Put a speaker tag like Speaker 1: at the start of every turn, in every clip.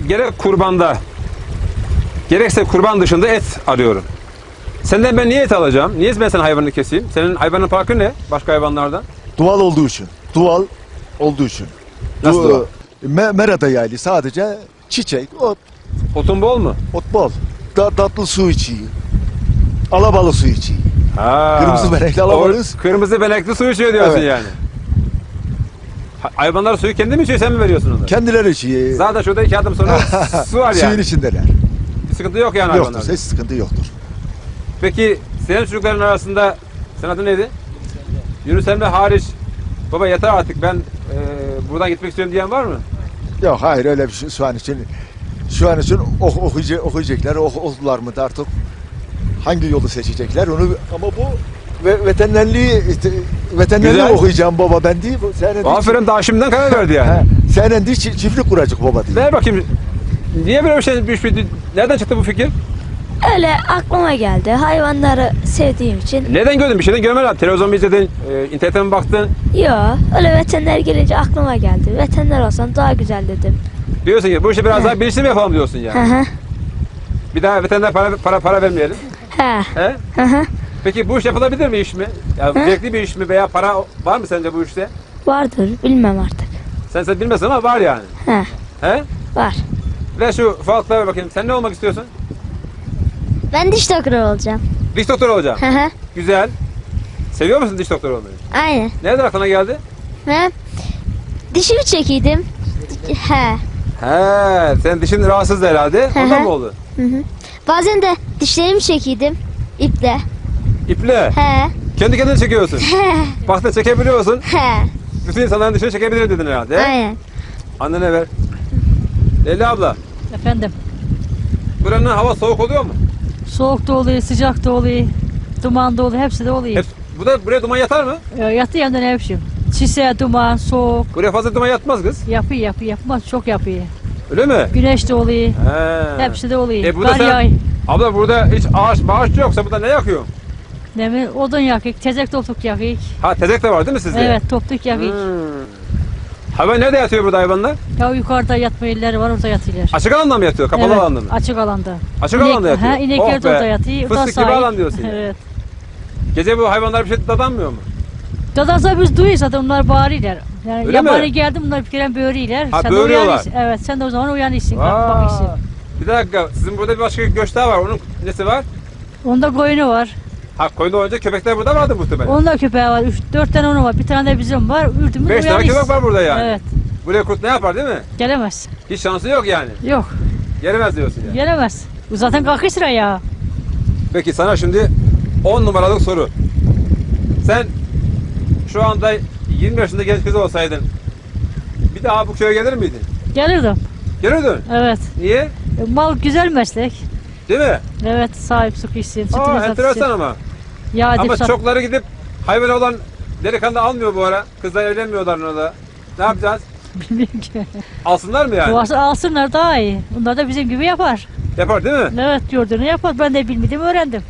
Speaker 1: gerek kurbanda, gerekse kurban dışında et arıyorum. Senden ben niye et alacağım? Niye ben senin hayvanını keseyim? Senin hayvanın farkı ne başka hayvanlardan?
Speaker 2: Doğal olduğu için. Doğal olduğu için.
Speaker 1: Nasıl doğal?
Speaker 2: Merada yaylı sadece çiçek, ot,
Speaker 1: Otun bol mu?
Speaker 2: ot bol. Tatlı su içiyor. Alabalı su içiyor.
Speaker 1: Ha.
Speaker 2: Kırmızı benekli alabalıyız.
Speaker 1: Kırmızı benekli su içiyor diyorsun
Speaker 2: Evet.
Speaker 1: yani. Hayvanlar suyu kendi mi içiyor, sen mi veriyorsun onlara?
Speaker 2: Kendileri içiyor.
Speaker 1: Zaten şurada 2 adım sonra su var
Speaker 2: Suyun
Speaker 1: yani.
Speaker 2: içindeler.
Speaker 1: Bir sıkıntı yok yani
Speaker 2: Yoktur.
Speaker 1: hayvanlarda.
Speaker 2: Hiç sıkıntı yoktur.
Speaker 1: Peki senin çocukların arasında, senin adın neydi? Yunus Emre hariç, baba yeter artık ben buradan gitmek istiyorum diyen var mı?
Speaker 2: Yok hayır öyle bir şey şu an için. Şu an için okuyacaklar, okudular mı da artık hangi yolu seçecekler onu ama bu veterinerliği
Speaker 1: Güzel.
Speaker 2: okuyacağım baba ben değil. Senin
Speaker 1: Aferin, daha şimdiden karar verdi yani.
Speaker 2: Senin değil çiftlik kuracak baba diye.
Speaker 1: Ver bakayım. Niye böyle bir şey düşmedi? Nereden çıktı bu fikir?
Speaker 3: Öyle aklıma geldi. Hayvanları sevdiğim için.
Speaker 1: Neden gördün? Bir şeyden görmedin. Televizyon mu izledin? İnternete mi baktın?
Speaker 3: Yo, öyle veteriner gelince aklıma geldi. Veteriner olsam daha güzel dedim.
Speaker 1: Diyorsun ki bu işi biraz daha bilinçli mi yapalım diyorsun
Speaker 3: Hı
Speaker 1: yani.
Speaker 3: hı.
Speaker 1: Bir daha veteriner para vermeyelim.
Speaker 3: He.
Speaker 1: He?
Speaker 3: Hı hı.
Speaker 1: Peki bu iş yapılabilir mi, iş mi? Ya zevkli bir iş mi veya para var mı sence bu işte?
Speaker 3: Vardır, bilmem artık.
Speaker 1: Sen bilmezsin ama var yani.
Speaker 3: He.
Speaker 1: He?
Speaker 3: Var.
Speaker 1: Ver şu falaklara ver bakayım. Sen ne olmak istiyorsun?
Speaker 4: Ben diş doktoru olacağım.
Speaker 1: Diş doktoru olacaksın.
Speaker 4: Hı hı.
Speaker 1: Güzel. Seviyor musun diş doktoru olmayı?
Speaker 4: Aynen.
Speaker 1: Nereden aklına geldi?
Speaker 4: He. Dişimi çekiydim. He.
Speaker 1: He, sen dişin rahatsızdı herhalde.
Speaker 4: Hı
Speaker 1: Ondan
Speaker 4: hı.
Speaker 1: mı oldu?
Speaker 4: Hı hı. Bazen de dişlerimi çekiydim. İple.
Speaker 1: İple.
Speaker 4: He.
Speaker 1: Kendi kendine çekiyorsun.
Speaker 4: He.
Speaker 1: Bak çekebiliyorsun.
Speaker 4: He.
Speaker 1: Bütün insanların dişini çekebilirim dedin herhalde. he?
Speaker 4: Aynen.
Speaker 1: Annene ver. Leyla abla,
Speaker 5: Efendim,
Speaker 1: buranın hava soğuk oluyor mu?
Speaker 5: soğuk da oluyor, sıcak da oluyor, duman da oluyor, hepsi de oluyor.
Speaker 1: Hep, buraya duman yatar mı?
Speaker 5: Yatı yandan ne biçim? Çise, duman, soğuk,
Speaker 1: Buraya fazla duman yatmaz kız.
Speaker 5: yapmaz, çok yapıyor.
Speaker 1: Öyle mi?
Speaker 5: Güneş de oluyor,
Speaker 1: He.
Speaker 5: hepsi de oluyor.
Speaker 1: Burada
Speaker 5: Kar
Speaker 1: sen,
Speaker 5: yağıyor.
Speaker 1: abla burada hiç ağaç yoksa burada ne yakıyor?
Speaker 5: Ne mi? Odun yakıyor, tezek toptuk yakıyor.
Speaker 1: Ha, tezek de var değil mi sizde?
Speaker 5: Evet, toptuk yakıyor.
Speaker 1: Hayvan nerede yatıyor burada hayvanlar?
Speaker 5: Ya yukarıda yatma yerleri var, orada yatıyorlar.
Speaker 1: Açık alanda mı yatıyor? Kapalı
Speaker 5: Evet,
Speaker 1: alanda mı?
Speaker 5: açık alanda.
Speaker 1: Açık alanda yatıyor.
Speaker 5: Ha, inekler
Speaker 1: Oh
Speaker 5: de
Speaker 1: be.
Speaker 5: orada yatıyor. o da
Speaker 1: Fıstık gibi
Speaker 5: sahil.
Speaker 1: alan diyorsun yani.
Speaker 5: Evet.
Speaker 1: Gece bu hayvanlar bir şey dadanmıyor mu?
Speaker 5: Dadazda biz duyuyoruz zaten onlar bağırıyorlar. Yani
Speaker 1: Öyle
Speaker 5: yabani
Speaker 1: mi?
Speaker 5: geldi bunlar bir kere böğürüyorlar.
Speaker 1: Ha,
Speaker 5: Sen de
Speaker 1: böğürüyorlar.
Speaker 5: uyanıyorsun. Evet, sen de o zaman uyanıyorsun.
Speaker 1: Vay.
Speaker 5: Bakıyorsun.
Speaker 1: Bir dakika, sizin burada bir başka göç daha var. Onun nesi var?
Speaker 5: Onda koyunu var.
Speaker 1: Ha, koyun olunca köpekler burada vardı muhtemelen.
Speaker 5: Onun da köpeği var. 4 tane onu var. Bir tane de bizim var. Ürdümüz
Speaker 1: 5 tane köpek var burada yani.
Speaker 5: Evet.
Speaker 1: Buraya kurt ne yapar değil mi?
Speaker 5: Gelemez.
Speaker 1: Hiç şansı yok yani.
Speaker 5: Yok.
Speaker 1: Gelemez diyorsun yani.
Speaker 5: Gelemez. Bu zaten kalkıyor sıra ya.
Speaker 1: Peki sana şimdi 10 numaralık soru. Sen şu anda 20 yaşında genç kız olsaydın bir daha bu köye gelir miydin?
Speaker 5: Gelirdim.
Speaker 1: Gelirdin.
Speaker 5: Evet.
Speaker 1: Niye?
Speaker 5: Mal güzel meslek.
Speaker 1: Değil mi?
Speaker 5: Evet. Sahip sıkışsın. Sütünü
Speaker 1: Aa, enteresan
Speaker 5: satırsın.
Speaker 1: ama.
Speaker 5: Yağ
Speaker 1: Ama
Speaker 5: dip sat.
Speaker 1: çokları gidip hayvan olan delikanlı almıyor bu ara. Kızlar evlenmiyorlar ona da. Ne yapacağız?
Speaker 5: Bilmiyorum ki.
Speaker 1: Alsınlar mı yani?
Speaker 5: Duası alsınlar daha iyi. Bunlar da bizim gibi yapar.
Speaker 1: Yapar değil mi?
Speaker 5: Evet gördüğünü yapar. Ben de bilmedim öğrendim.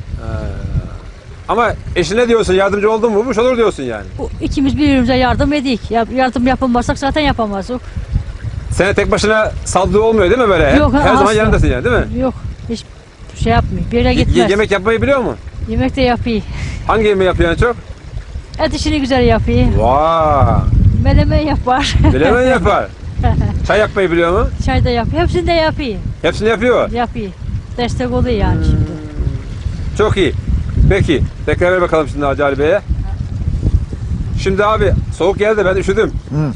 Speaker 1: Ama eşine diyorsun yardımcı oldun mu bu olur diyorsun yani.
Speaker 5: Bu, ikimiz birbirimize yardım edik. Yardım yapamazsak zaten yapamazdık.
Speaker 1: Sana tek başına saldırı olmuyor değil mi böyle?
Speaker 5: Yok,
Speaker 1: Her zaman
Speaker 5: asla.
Speaker 1: yanındasın yani değil mi?
Speaker 5: Yok. Hiç şey yapmıyor. Bir yere gitmez.
Speaker 1: Yemek yapmayı biliyor mu?
Speaker 5: Yemek de yapıyor.
Speaker 1: Hangi yemeği yapıyor en çok?
Speaker 5: Et işini güzel yapıyor.
Speaker 1: Vaa!
Speaker 5: Menemen yapar.
Speaker 1: Bilemen yapar. Çay yapmayı biliyor mu?
Speaker 5: Çay da yapıyor. Hepsini de yapıyor.
Speaker 1: Hepsini yapıyor.
Speaker 5: Yapıyor. Destek oluyor yani şimdi.
Speaker 1: Çok iyi. Peki. Tekrar ver bakalım şimdi Hacı Ali Bey'e. Şimdi abi soğuk geldi ben üşüdüm.
Speaker 2: Hı.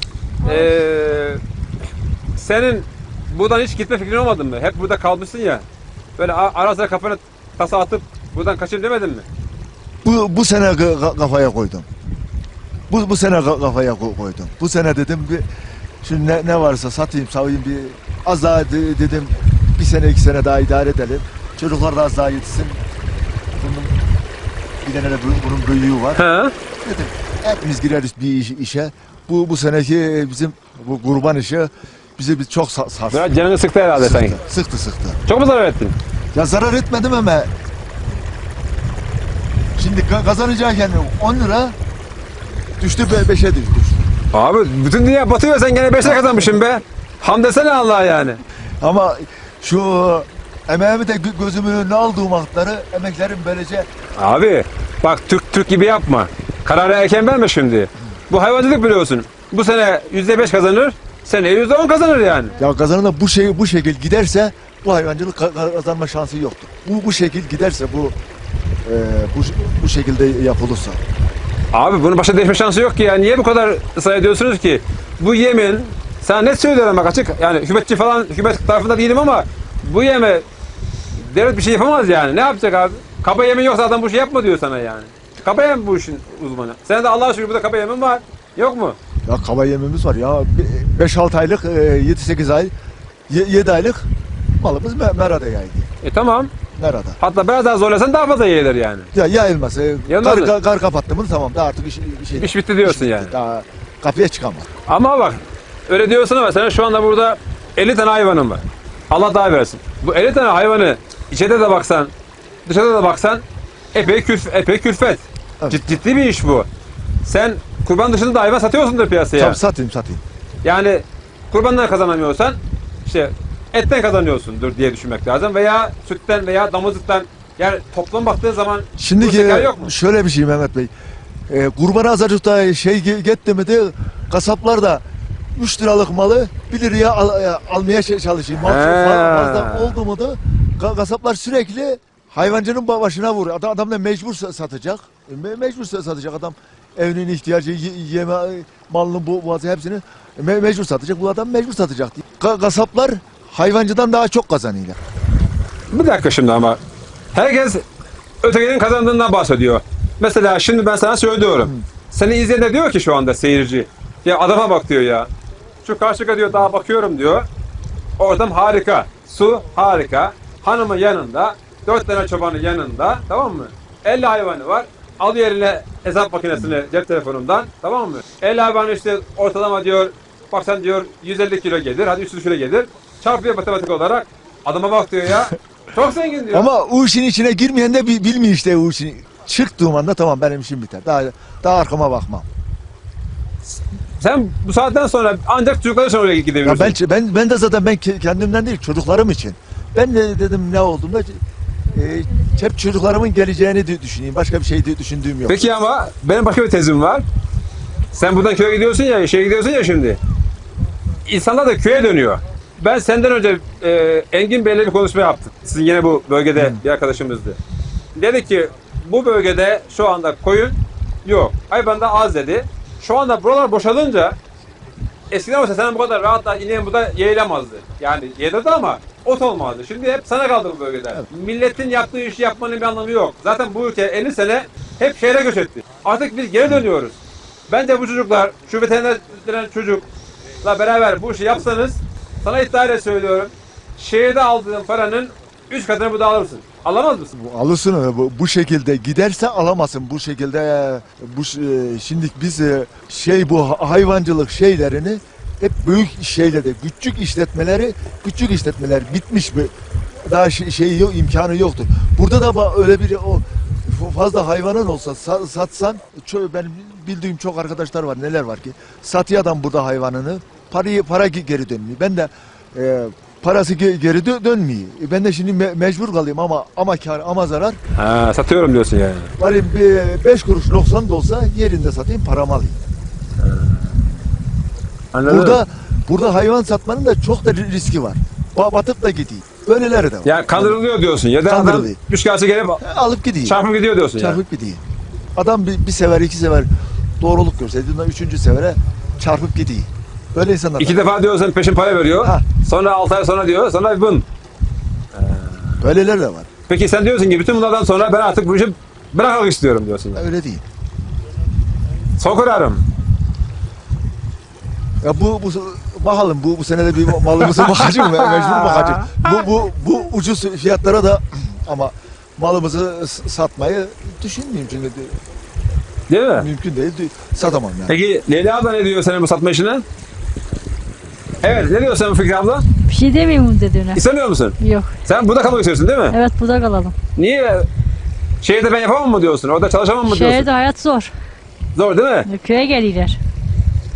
Speaker 1: Senin buradan hiç gitme fikrin olmadı mı? Hep burada kalmışsın ya. Böyle ara sıra kafana tasa atıp buradan kaçayım demedin mi?
Speaker 2: Bu sene kafaya koydum. Bu sene kafaya koydum. Bu sene dedim bir şimdi ne varsa satayım, savayım bir az daha dedim bir sene 2 sene daha idare edelim. Çocuklar da az daha yetişsin. Bunun bir tane de bunun büyüğü var.
Speaker 1: He.
Speaker 2: Dedim hepimiz gireriz bir işe. Bu seneki bizim bu kurban işi bizi çok sarstı.
Speaker 1: Biraz canını sıktı herhalde sanki.
Speaker 2: Sıktı.
Speaker 1: Çok mu zarar ettin?
Speaker 2: Ya zarar etmedim ama şimdi kazanacağken 10 lira düştü 5'e düştü.
Speaker 1: Abi bütün dünya batıyor sen gene 5'e kazanmışsın be. Ham desene Allah'a yani.
Speaker 2: Ama şu emeğimi de gözümün önüne aldığım hakları emeklerim böylece
Speaker 1: Abi bak Türk gibi yapma. Kararı erken verme şimdi. Bu hayvancılık biliyorsun. Bu sene %5 kazanır, seneye %10 kazanır yani.
Speaker 2: ya kazanın da bu şekil giderse bu hayvancılık kazanma şansı yoktur. Bu şekil giderse bu şekilde yapılırsa.
Speaker 1: Abi bunun başa değişme şansı yok ki ya. Niye bu kadar ısrar ediyorsunuz ki? Bu yemin, sana net söylüyorum bak açık. Yani hükümetçi falan, hükümet tarafında değilim ama bu yeme devlet bir şey yapamaz yani. Ne yapacak abi? Kaba yemin yoksa adam bu şey yapma diyor sana yani. Kaba yem bu işin uzmanı. Sen de Allah'a şükür burada kaba yemin var. Yok mu?
Speaker 2: Ya kaba yemimiz var ya 5-6 aylık 7-8 ay 7 aylık malımız merada yaydı.
Speaker 1: Tamam.
Speaker 2: Merada.
Speaker 1: Hatta biraz daha zorlasan daha fazla yeğilir yani.
Speaker 2: Ya yayılmaz.
Speaker 1: Yayılmaz mı?
Speaker 2: Kar kapattı mı tamam da artık
Speaker 1: İş bitti diyorsun yani.
Speaker 2: Daha kapıya çıkamaz.
Speaker 1: Ama bak öyle diyorsun ama senin şu anda burada 50 tane hayvanın var. Allah daha versin. Bu 50 tane hayvanı içeride de baksan, dışarıda da baksan epey külfet.
Speaker 2: Evet.
Speaker 1: Ciddi bir iş bu. Sen kurban dışında da hayvan satıyorsundur piyasaya.
Speaker 2: Tabii satayım.
Speaker 1: Yani kurbandan kazanamıyorsan işte etten kazanıyorsundur diye düşünmek lazım veya sütten veya damızlıktan. Yani toplam baktığın zaman
Speaker 2: Şimdi
Speaker 1: bu şeker yok mu?
Speaker 2: şöyle bir şey Mehmet Bey. Kurban azarcıkta gitti mi de kasaplar da 3 liralık malı 1 liraya almaya çalışıyor. Mal fazla oldu mu da kasaplar sürekli hayvancının başına vuruyor. Adam da mecbur satacak. Mecbur satacak adam. Evinin ihtiyacı, yeme, malının boğazı hepsini mecbur satacak. Bu adam mecbur satacak. Kasaplar hayvancıdan daha çok kazanıyorlar.
Speaker 1: Bir dakika şimdi ama herkes ötekinin kazandığından bahsediyor. Mesela şimdi ben sana söylüyorum. Seni izleyen de diyor ki şu anda seyirci. Ya adama bak diyor ya. Şu karşıya diyor daha bakıyorum diyor. Ortam harika. Su harika. Hanımın yanında. 4 tane çobanın yanında. Tamam mı? 50 hayvanı var. Al yerine hesap makinesini cep telefonundan. Tamam mı? 50 hayvanı işte ortalama diyor. Bak sen diyor 150 kilo gelir. Hadi 300 kilo gelir. Çarpıyor matematik olarak. Adama bak diyor ya. Çok zengin diyor.
Speaker 2: Ama o işin içine girmeyen de bilmiyor işte o işin. Çıktığım anda tamam benim işim biter. Daha arkama bakmam.
Speaker 1: Sen bu saatten sonra ancak çocuklar için oraya
Speaker 2: Ya
Speaker 1: gidebilirsin.
Speaker 2: ben de zaten kendimden değil çocuklarım için. Ben de dedim ne olduğumda hep çocuklarımın geleceğini düşüneyim. Başka bir şey düşündüğüm yok.
Speaker 1: Peki ama benim başka bir tezim var. Sen buradan köye gidiyorsun ya, şeye gidiyorsun ya şimdi. İnsanlar da köye dönüyor. Ben senden önce Engin Bey'le bir konuşma yaptım. Sizin yine bu bölgede bir arkadaşımızdı. Dedi ki bu bölgede şu anda koyun yok. Hayvan da az dedi. Şu anda buralar boşalınca eskiden olsa sen bu kadar rahat da ineğin burada yeğilemezdi. Yani yedirdi ama ot olmazdı. Şimdi hep sana kaldı bu bölgede. Evet. Milletin yaptığı işi yapmanın bir anlamı yok. Zaten bu ülke 50 sene hep şehre göç etti. Artık biz geri dönüyoruz. Bence bu çocuklar, şu veteriner denen çocukla beraber bu işi yapsanız sana iddiayla söylüyorum. Şehirde aldığın paranın 3 katını burada alırsın. Alamaz mısın?
Speaker 2: Alırsın bu şekilde giderse alamazsın bu şekilde şimdi biz bu hayvancılık şeylerini hep büyük şeylerde küçük işletmeler bitmiş mi daha yok imkanı yoktur. Burada da öyle bir fazla hayvanın olsa satsan benim bildiğim çok arkadaşlar var neler var ki satıyor adam burada hayvanını para geri dönmüyor. Ben de parası geri dönmüyor. Ben de şimdi mecbur kalayım ama kar ama zarar.
Speaker 1: Ha, satıyorum diyorsun yani.
Speaker 2: Bari 5 kuruş 90 da olsa yerinde satayım paramı alayım.
Speaker 1: Anladın
Speaker 2: Burada hayvan satmanın da çok da riski var. Batıp da gidiyor. Böyleleri de var.
Speaker 1: Ya kandırılıyor diyorsun ya da adam üçkağıtçı gelip
Speaker 2: alıp gidiyor.
Speaker 1: çarpıp gidiyor diyorsun ya.
Speaker 2: Çarpıp gidiyor. Adam bir sefer 2 sefer doğruluk görseydi 3. sefere çarpıp gidiyor. Böyle insanlar.
Speaker 1: 2 defa diyor sen peşin para veriyor.
Speaker 2: Ha.
Speaker 1: Sonra 6 ay sonra diyor. Sonra bun.
Speaker 2: Böyleler de var.
Speaker 1: Peki sen diyorsun ki bütün bunlardan sonra ben artık bu işi bırakmak istiyorum diyorsun. Yani.
Speaker 2: Öyle değil.
Speaker 1: Son kararım.
Speaker 2: Ya bakalım bu sene de bir malımızı bakacağım mecbur bakacağım. Bu ucuz fiyatlara da ama malımızı satmayı düşünmeyeyim çünkü
Speaker 1: Değil mi?
Speaker 2: mümkün değil satamam yani.
Speaker 1: Peki Leyla abla ne diyor senin bu satma işine? Evet ne diyor senin Fikri abla?
Speaker 5: Bir şey demeyeyim bunun dediğine.
Speaker 1: İstemiyor musun?
Speaker 5: Yok.
Speaker 1: Sen burada kalmak istiyorsun değil mi?
Speaker 5: Evet burada kalalım.
Speaker 1: Niye? Şehirde ben yapamam mı diyorsun? Orada çalışamam mı diyorsun?
Speaker 5: Şehirde hayat zor.
Speaker 1: Zor değil mi?
Speaker 5: Köye geliyorlar.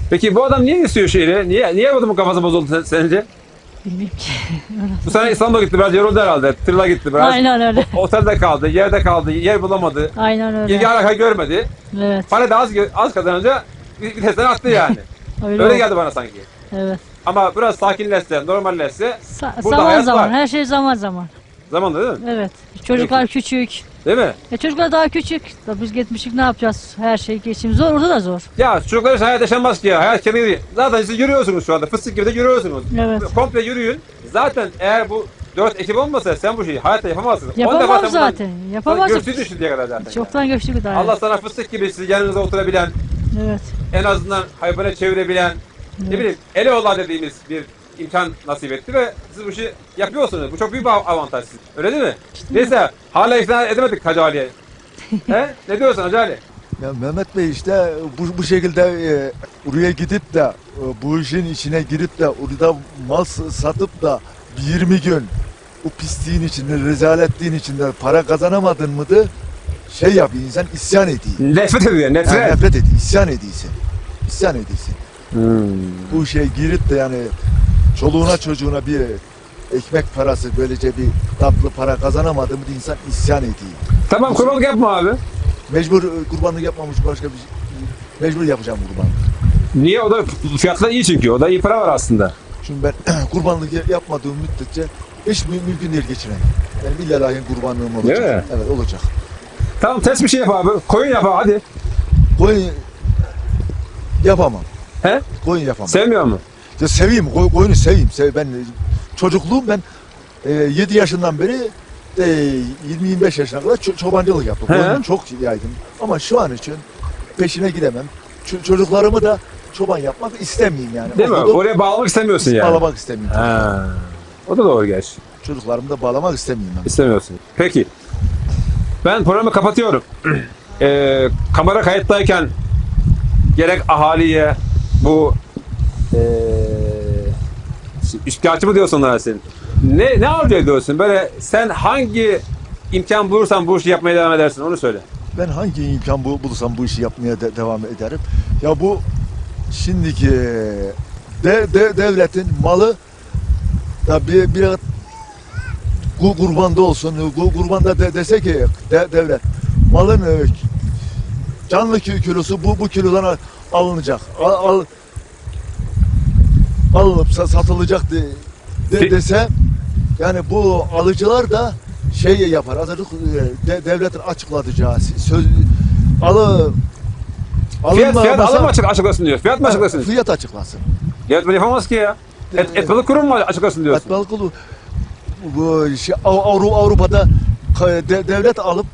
Speaker 1: Peki bu adam niye istiyor şehri? Niye bu adamın kafası bozuldu sence?
Speaker 5: Bilmiyorum ki.
Speaker 1: Bu sene İstanbul'a gitti, biraz yoruldu herhalde. Tırla gitti biraz.
Speaker 5: Aynen öyle.
Speaker 1: Otelde kaldı, yerde kaldı, yer bulamadı.
Speaker 5: Aynen öyle.
Speaker 1: İlgi alaka görmedi.
Speaker 5: Evet.
Speaker 1: Para da az kazanınca vitesten attı yani.
Speaker 5: Öyle,
Speaker 1: Öyle
Speaker 5: oldu.
Speaker 1: geldi bana sanki.
Speaker 5: Evet.
Speaker 1: Ama biraz sakinleşse, normalleşse burada
Speaker 5: Zaman
Speaker 1: hayat
Speaker 5: zaman.
Speaker 1: var.
Speaker 5: Her şey zaman zaman.
Speaker 1: Zamanla değil mi?
Speaker 5: Evet. Çocuklar küçük.
Speaker 1: Değil mi?
Speaker 5: Çocuklar daha küçük. Da biz gitmişik ne yapacağız? Her şey geçim zor. Orada da zor.
Speaker 1: Ya çocuklar için hayat yaşanmaz ki ya. Hayat kendi değil. Zaten siz yürüyorsunuz şu anda. Fıstık gibi de yürüyorsunuz.
Speaker 5: Evet.
Speaker 1: Komple yürüyün. Zaten eğer bu 4 ekip olmasa sen bu şeyi hayatta yapamazsın.
Speaker 5: Yapamam zaten. Yapamazsın.
Speaker 1: Görsün şimdiye kadar zaten.
Speaker 5: Çoktan göçtük daha.
Speaker 1: Allah sana fıstık gibi sizi yanınıza oturabilen,
Speaker 5: Evet.
Speaker 1: en azından hayvana çevirebilen, ne bileyim Eloğlan dediğimiz bir imkan nasip etti ve siz bu işi yapıyorsunuz. Bu çok büyük bir avantaj sizin. Öyle değil mi? Neyse hala ikna edemedik Hacı Ali'ye. He? Ne diyorsun Hacı Ali?
Speaker 2: Ya Mehmet Bey işte bu şekilde oraya gidip de bu işin içine girip de orada mal satıp da 20 gün o pisliğin içinde, rezaletliğin içinde para kazanamadın mıydı? Şey yapıyor, insan isyan ediyor.
Speaker 1: Nefret ediyor,
Speaker 2: Yani
Speaker 1: nefret.
Speaker 2: nefret ediyor, isyan ediyorsun. İsyan ediyorsun. Bu işe girip de yani çoluğuna çocuğuna bir ekmek parası, böylece bir tatlı para kazanamadı mı insan isyan ediyor.
Speaker 1: Tamam kurbanlık yapma abi.
Speaker 2: Mecbur kurbanlık yapmamış başka bir şey. Mecbur yapacağım kurbanlık.
Speaker 1: Niye? O da fiyatlar iyi çünkü. O da iyi para var aslında.
Speaker 2: Şimdi ben kurbanlık yapmadığım müddetçe hiç mümkün değil geçiremem. Benim illalahi kurbanlığım olacak.
Speaker 1: Değil mi?
Speaker 2: Evet olacak.
Speaker 1: Tamam test bir şey yap abi. Koyun yap abi hadi.
Speaker 2: Koyun yapamam.
Speaker 1: He?
Speaker 2: Koyun yapamam.
Speaker 1: Sevmiyor mu?
Speaker 2: Ya seveyim, koyunu seveyim. Ben çocukluğum ben 7 yaşından beri 20-25 yaşına kadar çobancılık yaptım.
Speaker 1: He.
Speaker 2: Koyunu çok yaydım. Ama şu an için peşine gidemem. Çocuklarımı da çoban yapmak istemeyeyim yani.
Speaker 1: Değil mi?
Speaker 2: Okudum,
Speaker 1: Oraya bağlamak istemiyorsun yani.
Speaker 2: bağlamak istemiyorum.
Speaker 1: Ha. O da doğru gerçi.
Speaker 2: Çocuklarımı da bağlamak istemiyorum ben.
Speaker 1: İstemiyorsun. Peki. Ben programı kapatıyorum. Kamera kayıttayken gerek ahaliye bu üçkağıtçı mı diyorsun onlara senin? Ne arzu ediyorsun? Böyle sen hangi imkan bulursan bu işi yapmaya devam edersin onu söyle.
Speaker 2: Ben hangi imkan bulursam bu işi yapmaya devam ederim. Ya bu şimdiki devletin malı da bir kurbanda olsun. Kurbanda dese ki devlet malın canlı kilosu bu kilodan alınacak. Alınıp satılacak dese yani bu alıcılar da şey yapar. Azıcık devletin açıklatacağı söz
Speaker 1: Fiyat alım mı açıklasın diyor. Fiyat mı açıklasın?
Speaker 2: Fiyat açıklasın.
Speaker 1: Devlet böyle yapamaz ki ya. Et balık kurum mu açıklasın diyorsun?
Speaker 2: Et balık kulu bu Avrupa'da devlet alıp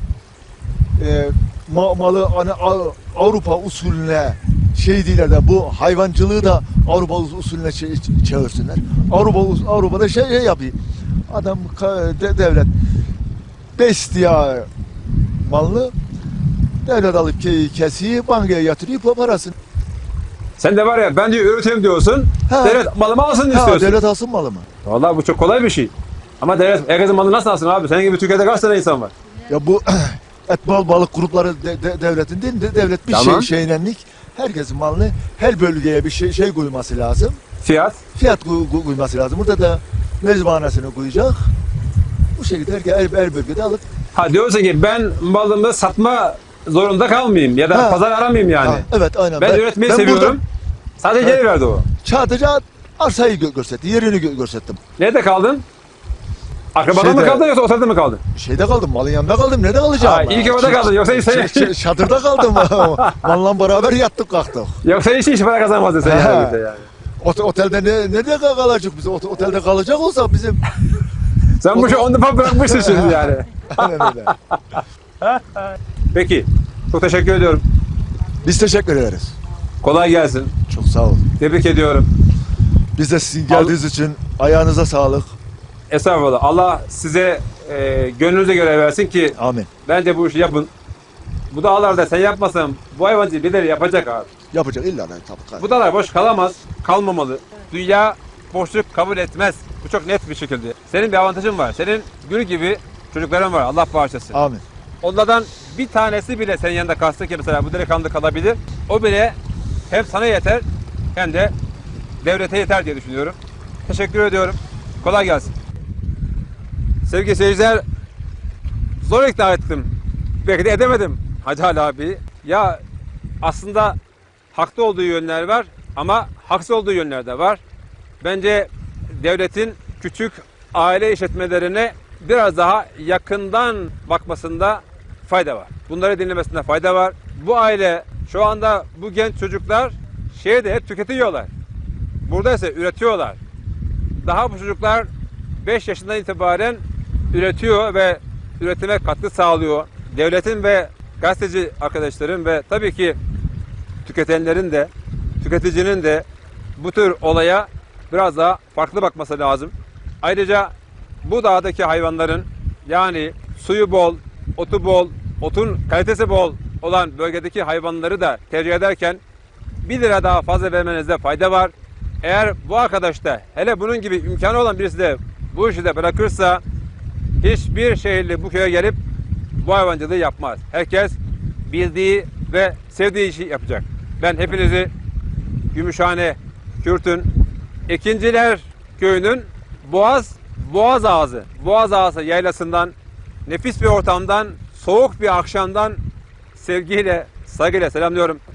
Speaker 2: malı hani Avrupa usulüne şey değiller de bu hayvancılığı da Avrupa usulüne çevirsinler. Avrupa'da şey yapıyor. Adam devlet besliyor malını devlet alıp kesiyor, bankaya yatırıyor parasını.
Speaker 1: Sen de var ya ben diyor üreteyim diyorsun.
Speaker 2: Ha.
Speaker 1: Devlet malımı alsın
Speaker 2: Ha,
Speaker 1: istiyorsun.
Speaker 2: devlet alsın malımı.
Speaker 1: Vallahi bu çok kolay bir şey. Ama devlet herkesin malını nasıl alsın abi? Senin gibi Türkiye'de kaç tane insan var?
Speaker 2: Ya bu balık grupları devletin değil de devlet bir
Speaker 1: Tamam.
Speaker 2: şeylenlik herkesin malını her bölgeye bir şey koyması lazım.
Speaker 1: Fiyat.
Speaker 2: Fiyat koyması lazım. Burada da mezbahanesini koyacak. Bu şekilde her bölgede alıp
Speaker 1: Ha diyorsun ki ben malımı satma zorunda kalmayayım ya da
Speaker 2: Ha.
Speaker 1: pazar aramayayım yani.
Speaker 2: Ha, evet aynen.
Speaker 1: Ben üretmeyi seviyorum.
Speaker 2: Burada
Speaker 1: Sadece geri verdi o.
Speaker 2: sadece arsayı gösterdi. Yerini gösterdim.
Speaker 1: Nerede kaldın? Akrabada mı
Speaker 2: Şeyde-
Speaker 1: kaldın yoksa otelde mi kaldın?
Speaker 2: Şeyde kaldım. Malın yanında kaldım. Nerede kalacağım?
Speaker 1: Ha, iyi ki orada kaldın. Yoksa sen,
Speaker 2: Çadırda kaldım. Malla beraber yattık kalktık.
Speaker 1: yoksa hiç para kazanmazdın sen
Speaker 2: Ha.
Speaker 1: yani. Yani.
Speaker 2: Otelde nerede kalacak biz? Otelde kalacak olsa bizim
Speaker 1: Sen bu işi on defa bırakmışsın şimdi yani.
Speaker 2: aynen öyle.
Speaker 1: Peki. Çok teşekkür ediyorum.
Speaker 2: Biz teşekkür ederiz.
Speaker 1: Kolay gelsin.
Speaker 2: Çok sağ olun.
Speaker 1: Tebrik ediyorum.
Speaker 2: Biz de sizin geldiğiniz için ayağınıza sağlık.
Speaker 1: Estağfurullah. Allah size gönlünüze göre versin ki
Speaker 2: Amin.
Speaker 1: bence bu işi yapın. Bu dağlarda sen yapmasan bu hayvancı birileri yapacak abi.
Speaker 2: Yapacak illa tabii.
Speaker 1: Bu dağlar boş kalamaz, kalmamalı. Dünya boşluk kabul etmez. Bu çok net bir şekilde. Senin bir avantajın var. Senin gül gibi çocukların var. Allah bağışlasın.
Speaker 2: Amin.
Speaker 1: Onlardan bir tanesi bile senin yanında kalsın ki mesela bu delikanlı kalabilir. O bile hem sana yeter hem de devlete yeter diye düşünüyorum. Teşekkür ediyorum. Kolay gelsin. Sevgili seyirciler, zor ikna ettim. Belki de edemedim Hacı Ali abi. Ya aslında haklı olduğu yönler var ama haksız olduğu yönler de var. Bence devletin küçük aile işletmelerine biraz daha yakından bakmasında fayda var. Bunları dinlemesinde fayda var. Bu aile, şu anda bu genç çocuklar şehirde hep tüketiyorlar. Burada ise üretiyorlar. Daha bu çocuklar 5 yaşından itibaren üretiyor ve üretime katkı sağlıyor. Devletin ve gazeteci arkadaşların ve tabii ki tüketenlerin de, tüketicinin de bu tür olaya biraz daha farklı bakması lazım. Ayrıca bu dağdaki hayvanların, yani suyu bol, otu bol, otun kalitesi bol olan bölgedeki hayvanları da tercih ederken 1 lira daha fazla vermenizde fayda var. Eğer bu arkadaş da, hele bunun gibi imkanı olan birisi de bu işi de bırakırsa, hiçbir şehirli bu köye gelip bu hayvancılığı yapmaz. Herkes bildiği ve sevdiği işi yapacak. Ben hepinizi Gümüşhane, Kürt'ün, Ekinciler Köyü'nün Boğaz Ağası yaylasından, nefis bir ortamdan, soğuk bir akşamdan sevgiyle, saygıyla selamlıyorum.